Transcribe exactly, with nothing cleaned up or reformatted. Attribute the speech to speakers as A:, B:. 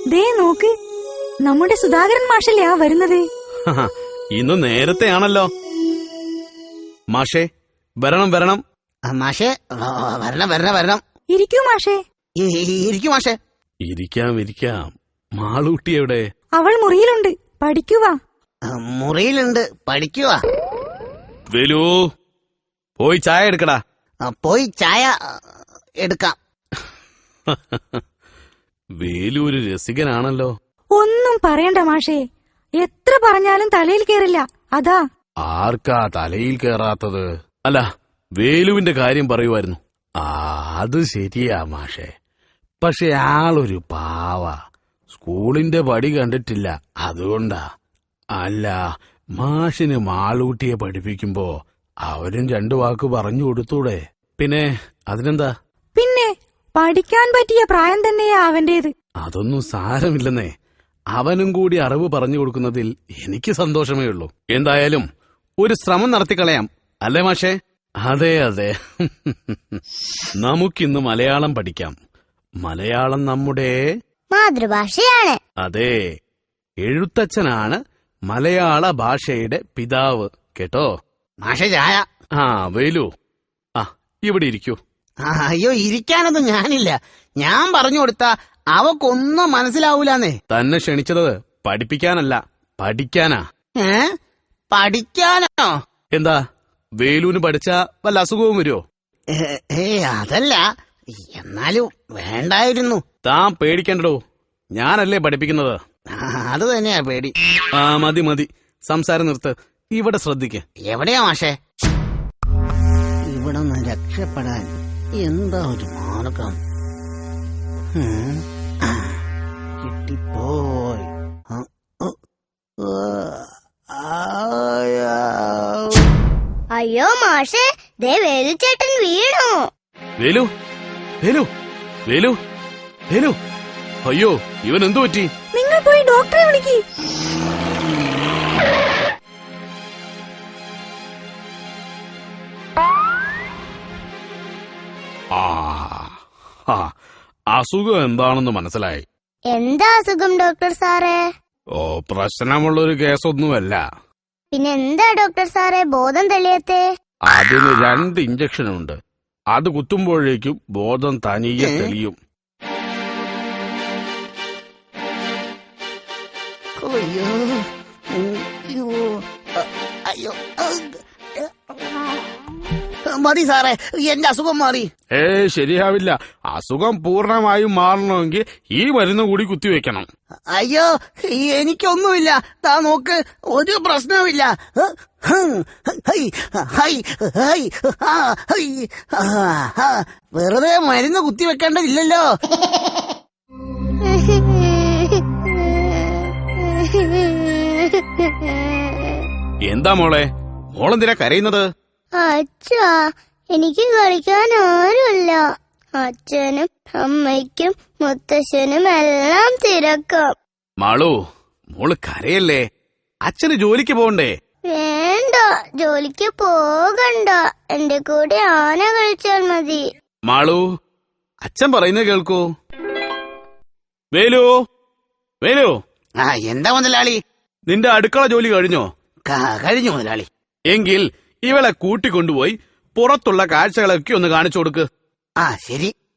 A: ദേ നോക്ക്, നമ്മുടെ സുധാകരൻ മാഷല്ലേ ആ വരുന്നത്.
B: ഇന്ന് നേരത്തെ ആണല്ലോ. മാഷേ വരണം വരണം.
C: മാഷേ വരണം വരണം വരണം.
A: ഇരിക്കൂ മാഷേ.
C: ഇരിക്കൂ മാഷേ.
B: ഇരിക്കാം ഇരിക്കാം. മാളൂട്ടി എവിടെ?
A: അവൾ മുറിയിലുണ്ട്, പഠിക്കുക.
C: മുറിയിലുണ്ട്, പഠിക്കുക.
B: വേലു, പോയി ചായ എടുക്കടാ.
C: പോയി ചായ എടുക്കാം.
B: വേലു ഒരു രസികനാണല്ലോ.
A: ഒന്നും പറയണ്ട മാഷേ, എത്ര പറഞ്ഞാലും തലയിൽ കേറില്ല, അതാ.
B: ആർക്കാ തലയിൽ കേറാത്തത്? അല്ല, വേലുവിന്റെ കാര്യം പറയുമായിരുന്നു. ആ അത് ശരിയാ മാഷേ. പക്ഷെ ആളൊരു പാവ. സ്കൂളിന്റെ പടി കണ്ടിട്ടില്ല, അതുകൊണ്ടാ. അല്ല, മാഷിന് മാളൂട്ടിയെ പഠിപ്പിക്കുമ്പോ അവരും രണ്ടു വാക്ക് പറഞ്ഞു കൊടുത്തൂടെ? പിന്നെ അതിനെന്താ?
A: പിന്നെ പഠിക്കാൻ പറ്റിയ പ്രായം തന്നെയാ അവന്റേത്.
B: അതൊന്നും സാരമില്ലെന്നേ. അവനും കൂടി അറിവ് പറഞ്ഞു കൊടുക്കുന്നതിൽ എനിക്ക് സന്തോഷമേ ഉള്ളൂ. എന്തായാലും ഒരു ശ്രമം നടത്തിക്കളയാം, അല്ലേ മാഷേ? അതെ അതെ. നമുക്കിന്ന് മലയാളം പഠിക്കാം. മലയാളം നമ്മുടെ
D: മാതൃഭാഷയാണ്.
B: അതെ, എഴുത്തച്ഛനാണ് മലയാള ഭാഷയുടെ പിതാവ്, കേട്ടോ?
C: മാഷേ ചായ.
B: ആ വേലു, ആ ഇവിടെ ഇരിക്കൂ.
C: അയ്യോ, ഇരിക്കാനൊന്നും ഞാനില്ല. ഞാൻ പറഞ്ഞു കൊടുത്ത അവക്കൊന്നും മനസ്സിലാവൂലെന്നേ.
B: തന്നെ ക്ഷണിച്ചത് പഠിപ്പിക്കാനല്ല, പഠിക്കാനാ.
C: ഏ പഠിക്കാനോ?
B: എന്താ, വേലുവിന് പഠിച്ച വല്ല അസുഖവും വരുമോ?
C: ഏ അതല്ല, എന്നാലും വേണ്ടായിരുന്നു.
B: താൻ പേടിക്കണ്ടോ, ഞാനല്ലേ പഠിപ്പിക്കുന്നത്.
C: അത് തന്നെയാ പേടി.
B: ആ മതി മതി, സംസാരം നിർത്ത്. ഇവിടെ ശ്രദ്ധിക്ക്.
C: എവിടെയാ മാഷേ? ഇവിടെ നിന്ന് രക്ഷപ്പെടാൻ എന്താ ഒരു മാർഗം? കിട്ടിപ്പോയി.
D: അയ്യോ മാഷേ, ദേ വേലുച്ചേട്ടൻ വീണു.
B: വേലു വേലു വേലു വേലു, അയ്യോ ഇവൻ എന്തു പറ്റി?
A: നിങ്ങൾ പോയി ഡോക്ടറെ വിളിക്ക്.
B: ആ അസുഖം എന്താണെന്ന് മനസ്സിലായി.
D: എന്താ അസുഖം ഡോക്ടർ സാറേ?
B: ഓ, പ്രശ്നമുള്ളൊരു കേസൊന്നുമല്ല.
D: പിന്നെ എന്താ ഡോക്ടർ സാറേ ബോധം തെളിയത്തെ?
B: അതിന് രണ്ട് ഇഞ്ചക്ഷൻ ഉണ്ട്. അത് കുത്തുമ്പോഴേക്കും ബോധം തനിയെ തെളിയും.
C: അയ്യോ അയ്യോ, മതി സാറേ, എന്റെ അസുഖം മാറി.
B: ഏ ശരിയാവില്ല. അസുഖം പൂർണ്ണമായും മാറണമെങ്കിൽ ഈ മരുന്ന് കൂടി കുത്തിവെക്കണം.
C: അയ്യോ, എനിക്കൊന്നുമില്ല. താ നോക്ക്, ഒരു പ്രശ്നവുമില്ല. വെറുതെ മരുന്ന് കുത്തിവെക്കേണ്ടതില്ലല്ലോ.
B: എന്താ മോളെ, മോളെന്തിനാ കരയുന്നത്?
D: അച്ഛാ, എനിക്ക് കളിക്കാൻ ആരുമില്ല. അച്ഛനും അമ്മയ്ക്കും മുത്തശ്ശനും എല്ലാം തിരക്കാം.
B: മാളു, മോള് കരയല്ലേ. അച്ഛന് ജോലിക്ക് പോകണ്ടേ?
D: വേണ്ട, ജോലിക്ക് പോകണ്ട. എന്റെ കൂടെ ആന കളിച്ചാൽ മതി.
B: മാളു, അച്ഛൻ പറയുന്നത് കേൾക്കൂ. വേലു വേലു.
C: ആ എന്താ മുതലാളി?
B: നിന്റെ അടുക്കള ജോലി കഴിഞ്ഞോ?
C: കഴിഞ്ഞു മുതലാളി.
B: എങ്കിൽ ഇവളെ കൂട്ടിക്കൊണ്ടുപോയി പുറത്തുള്ള കാഴ്ചകളൊക്കെ ഒന്ന് കാണിച്ചു കൊടുക്ക്.
C: ആ ശരി.